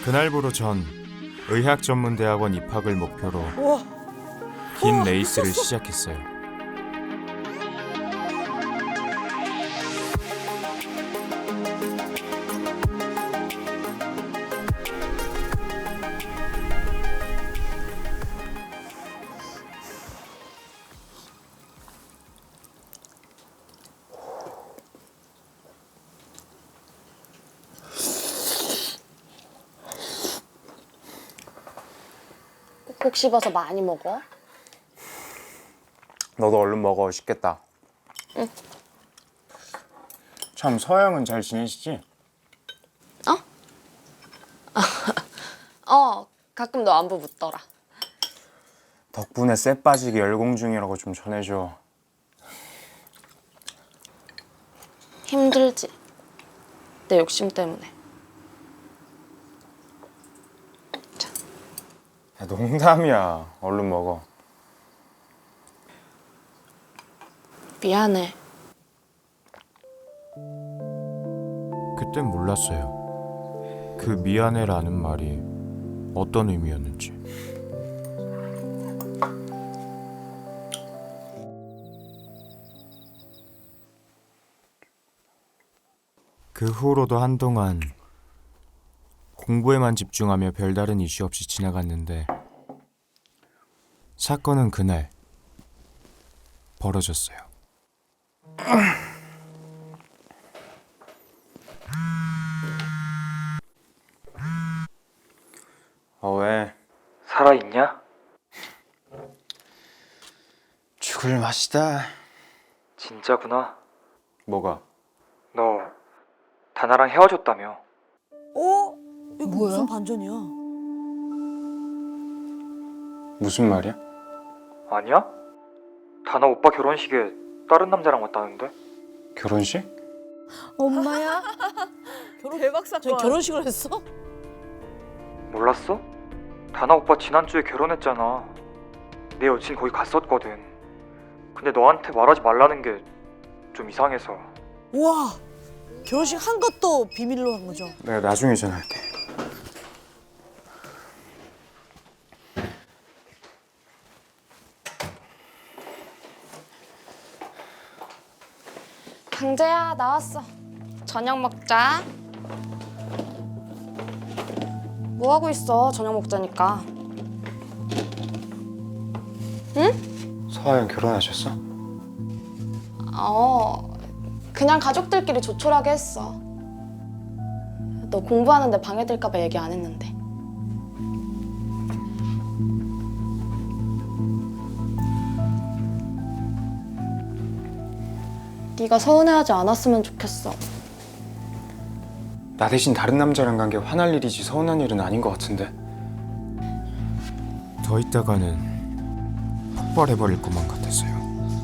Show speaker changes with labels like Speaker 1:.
Speaker 1: 그날부로 전 의학전문대학원 입학을 목표로 긴 레이스를 시작했어요.
Speaker 2: 꼭 씹어서 많이 먹어.
Speaker 3: 너도 얼른 먹어. 식겠다.
Speaker 2: 응.
Speaker 3: 참 서영은 잘 지내시지?
Speaker 2: 가끔 너 안부 묻더라.
Speaker 3: 덕분에 쎄 빠지게 열공 중이라고 좀 전해줘.
Speaker 2: 힘들지? 내 욕심 때문에.
Speaker 3: 야, 농담이야. 얼른 먹어.
Speaker 2: 미안해.
Speaker 1: 그땐 몰랐어요. 그 미안해라는 말이 어떤 의미였는지. 그 후로도 한동안 공부에만 집중하며 별다른 이슈 없이 지나갔는데 사건은 그날 벌어졌어요.
Speaker 3: 왜?
Speaker 4: 살아있냐?
Speaker 3: 죽을 맛이다.
Speaker 4: 진짜구나.
Speaker 3: 뭐가?
Speaker 4: 너 다나랑 헤어졌다며.
Speaker 5: 이거 무슨 반전이야?
Speaker 3: 무슨 말이야?
Speaker 4: 아니야? 다나 오빠 결혼식에 다른 남자랑 왔다는데?
Speaker 3: 결혼식?
Speaker 5: 엄마야?
Speaker 6: 대박
Speaker 5: 저
Speaker 6: 사건.
Speaker 5: 결혼식을 했어?
Speaker 4: 몰랐어? 다나 오빠 지난주에 결혼했잖아. 내 여친 거기 갔었거든. 근데 너한테 말하지 말라는 게 좀 이상해서.
Speaker 5: 우와, 결혼식 한 것도 비밀로 한 거죠?
Speaker 3: 내가 나중에 전화할게.
Speaker 2: 강재야, 나왔어. 저녁 먹자. 뭐 하고 있어? 저녁 먹자니까.
Speaker 3: 서하영 결혼하셨어?
Speaker 2: 그냥 가족들끼리 조촐하게 했어. 너 공부하는데 방해될까 봐 얘기 안 했는데. 네가 서운해하지 않았으면 좋겠어.
Speaker 3: 나 대신 다른 남자랑 간 게 화날 일이지 서운한 일은 아닌 것 같은데.
Speaker 1: 더 있다가는 폭발해버릴 것만 같았어요.